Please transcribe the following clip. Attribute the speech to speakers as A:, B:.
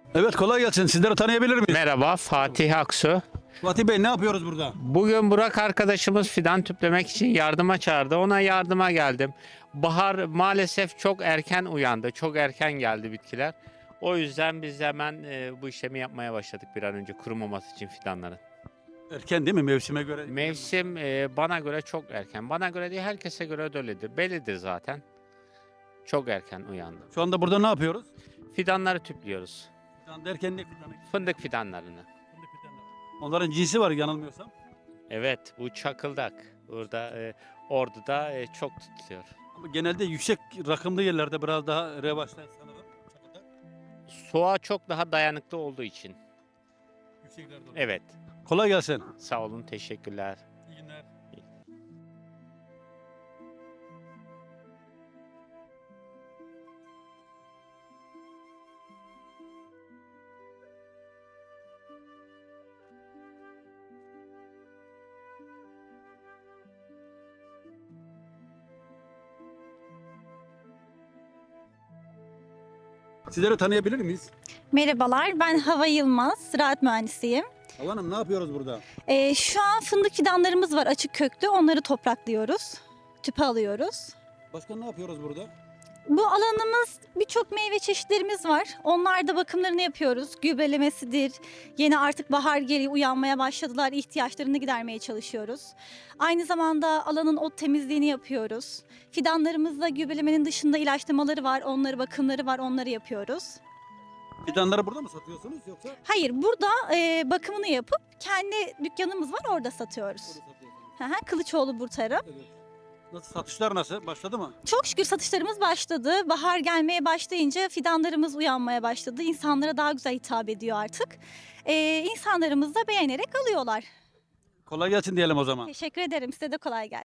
A: Evet, kolay gelsin. Sizleri tanıyabilir miyiz?
B: Merhaba, Fatih Aksu.
A: Fatih Bey, ne yapıyoruz burada?
B: Bugün Burak arkadaşımız fidan tüplemek için yardıma çağırdı. Ona yardıma geldim. Bahar maalesef çok erken uyandı. Çok erken geldi bitkiler. O yüzden biz hemen bu işlemi yapmaya başladık bir an önce kurumaması için fidanların.
A: Erken değil mi, mevsime göre?
B: Mevsim bana göre çok erken. Bana göre değil, herkese göre de öyledir. Bellidir zaten. Çok erken uyandı.
A: Şu anda burada ne yapıyoruz?
B: Fidanları tüplüyoruz.
A: Fidan derken ne fidanı?
B: Fındık fidanlarını.
A: Fındık fidanları. Onların cinsi var yanılmıyorsam.
B: Evet, bu çakıldak. Burada Ordu'da çok tutuluyor.
A: Ama genelde yüksek rakımlı yerlerde biraz daha revaçta sanırım. Çakıldak.
B: Soğuğa çok daha dayanıklı olduğu için.
A: Yükseklerde oluyor.
B: Evet.
A: Kolay gelsin.
B: Sağ olun, teşekkürler.
A: İyi günler. Sizleri tanıyabilir miyiz?
C: Merhabalar, ben Hava Yılmaz, ziraat mühendisiyim.
A: Hava Hanım, ne yapıyoruz burada?
C: Şu an fındık fidanlarımız var açık köklü, onları topraklıyoruz, tüpe alıyoruz.
A: Başka ne yapıyoruz burada?
C: Bu alanımız birçok meyve çeşitlerimiz var. Onlar da bakımlarını yapıyoruz. Gübrelemesidir. Yeni artık bahar geliyor, uyanmaya başladılar. İhtiyaçlarını gidermeye çalışıyoruz. Aynı zamanda alanın ot temizliğini yapıyoruz. Fidanlarımızda gübrelemenin dışında ilaçlamaları var, onları bakımları var, onları yapıyoruz.
A: Fidanları burada mı satıyorsunuz yoksa?
C: Hayır, burada bakımını yapıp kendi dükkanımız var, orada satıyoruz.
A: Burada satıyorsunuz.
C: Hı hı, Kılıçoğlu Burtarım.
A: Evet. Nasıl, satışlar nasıl? Başladı mı?
C: Çok şükür satışlarımız başladı. Bahar gelmeye başlayınca fidanlarımız uyanmaya başladı. İnsanlara daha güzel hitap ediyor artık. İnsanlarımız da beğenerek alıyorlar.
A: Kolay gelsin diyelim o zaman.
C: Teşekkür ederim. Size de kolay gelsin.